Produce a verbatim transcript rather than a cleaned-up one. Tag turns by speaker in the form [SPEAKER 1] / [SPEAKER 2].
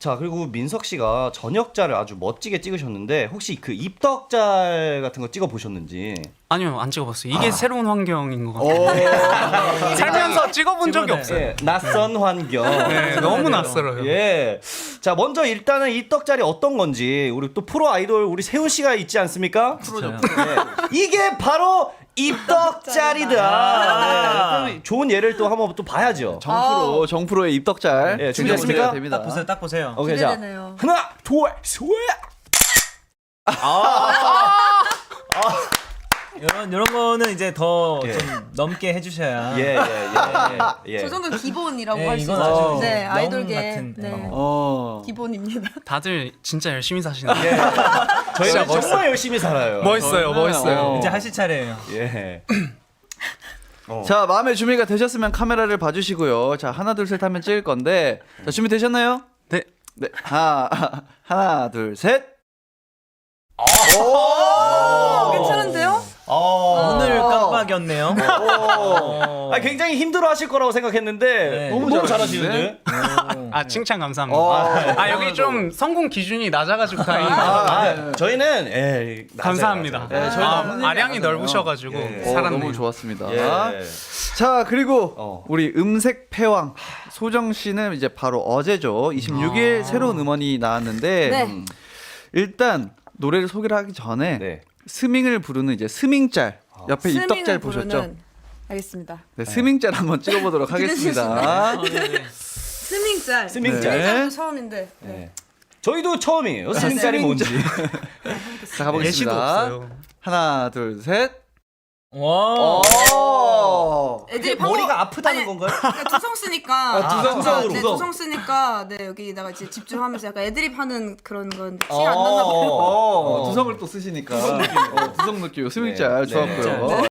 [SPEAKER 1] 자, 그리고 민석 씨가 저녁자를 아주 멋지게 찍으셨는데 혹시 그 입덕잘 같은 거 찍어 보셨는지?
[SPEAKER 2] 아니요, 안 찍어봤어요. 이게 아. 새로운 환경인 것
[SPEAKER 1] 오.
[SPEAKER 2] 같아요. 살면서 찍어본 적이 없어요.
[SPEAKER 1] 예, 낯선 환경.
[SPEAKER 2] 네, 너무 낯설어요.
[SPEAKER 1] 예. 자, 먼저 일단은 입덕잘이 어떤 건지 우리 또 프로 아이돌 우리 세훈 씨가 있지 않습니까?
[SPEAKER 3] 프로죠.
[SPEAKER 1] 네. 이게 바로 입덕잘이다. 네. 좋은 예를 또 한번 또 봐야죠.
[SPEAKER 4] 정프로, 정프로의 입덕잘.
[SPEAKER 1] 예, 준비됐습니까?
[SPEAKER 4] 됩니다.
[SPEAKER 3] 딱 보세요, 딱 보세요.
[SPEAKER 1] 오케이, 자,
[SPEAKER 5] 기대되네요.
[SPEAKER 1] 하나, 둘, 셋.
[SPEAKER 3] 이런 이런 거는 이제 더 좀
[SPEAKER 1] 예.
[SPEAKER 3] 넘게 해주셔야.
[SPEAKER 1] 예, 예, 예, 예.
[SPEAKER 5] 저 정도 기본이라고
[SPEAKER 3] 네,
[SPEAKER 5] 할 수
[SPEAKER 3] 이건
[SPEAKER 5] 있죠.
[SPEAKER 3] 아주
[SPEAKER 5] 네,
[SPEAKER 3] 영
[SPEAKER 5] 아이돌계
[SPEAKER 3] 같은,
[SPEAKER 5] 네.
[SPEAKER 4] 어.
[SPEAKER 5] 기본입니다.
[SPEAKER 2] 다들 진짜 열심히 사시네요.
[SPEAKER 1] 예. 저희는
[SPEAKER 2] 멋있어요.
[SPEAKER 1] 정말 열심히 살아요.
[SPEAKER 2] 멋있어요, 멋있어요.
[SPEAKER 4] 어.
[SPEAKER 3] 이제 하실 차례예요.
[SPEAKER 1] 예. 어.
[SPEAKER 4] 자, 마음의 준비가 되셨으면 카메라를 봐주시고요. 자, 하나, 둘, 셋 하면 찍을 건데. 자, 준비 되셨나요?
[SPEAKER 2] 네.
[SPEAKER 4] 네. 하나, 하나, 둘, 셋.
[SPEAKER 5] 오, 괜찮은데요?
[SPEAKER 1] 어.
[SPEAKER 3] 오늘 깜빡이었네요.
[SPEAKER 1] 아, 굉장히 힘들어하실 거라고 생각했는데
[SPEAKER 3] 네.
[SPEAKER 1] 너무,
[SPEAKER 4] 너무
[SPEAKER 1] 잘하시는데.
[SPEAKER 2] 아, 칭찬 감사합니다.
[SPEAKER 4] 어.
[SPEAKER 2] 아, 여기 좀 성공 기준이 낮아가지고 다행이다.
[SPEAKER 1] 아,
[SPEAKER 4] 네.
[SPEAKER 1] 저희는 예, 낮아요,
[SPEAKER 2] 감사합니다.
[SPEAKER 1] 낮아요.
[SPEAKER 4] 네, 저희는
[SPEAKER 2] 아,
[SPEAKER 4] 아무튼
[SPEAKER 2] 아량이
[SPEAKER 4] 낮아요.
[SPEAKER 2] 넓으셔가지고
[SPEAKER 1] 예.
[SPEAKER 4] 어,
[SPEAKER 2] 살았네요.
[SPEAKER 4] 너무 좋았습니다.
[SPEAKER 1] 예.
[SPEAKER 4] 자, 그리고
[SPEAKER 1] 어.
[SPEAKER 4] 우리 음색 패왕 소정 씨는 이제 바로 어제죠. 이십육 일
[SPEAKER 1] 아.
[SPEAKER 4] 새로운 음원이 나왔는데
[SPEAKER 5] 네.
[SPEAKER 4] 음, 일단 노래를 소개를 하기 전에
[SPEAKER 1] 네.
[SPEAKER 4] 스밍을 부르는 이제 스밍짤 옆에 입덕짤
[SPEAKER 5] 스밍을
[SPEAKER 4] 보셨죠?
[SPEAKER 5] 부르는- 알겠습니다.
[SPEAKER 4] 네, 스밍짤 한번 찍어보도록 하겠습니다.
[SPEAKER 5] 스밍짤.
[SPEAKER 1] 스밍짤.
[SPEAKER 5] 스밍짤도 처음인데. 네.
[SPEAKER 1] 네. 저희도 처음이에요. 스밍짤이 뭔지.
[SPEAKER 4] 자, 가보겠습니다.
[SPEAKER 2] 예시도 없어요.
[SPEAKER 4] 하나, 둘, 셋.
[SPEAKER 3] 와.
[SPEAKER 4] 오!
[SPEAKER 5] 애들이 방금-
[SPEAKER 1] 머리가 아프다는
[SPEAKER 5] 아니,
[SPEAKER 1] 건가요?
[SPEAKER 5] 그러니까 두성 쓰니까
[SPEAKER 1] 아, 두성, 두성으로,
[SPEAKER 5] 네,
[SPEAKER 1] 두성.
[SPEAKER 5] 두성 쓰니까 네 여기다가 이제 집중하면서 약간 애드립 하는 그런 건 티
[SPEAKER 1] 어,
[SPEAKER 5] 안 나나 봐요.
[SPEAKER 4] 어, 두성을 또 쓰시니까. 어, 두성 느낌. 스밍짤
[SPEAKER 1] 네,
[SPEAKER 4] 좋았고요.
[SPEAKER 3] 네.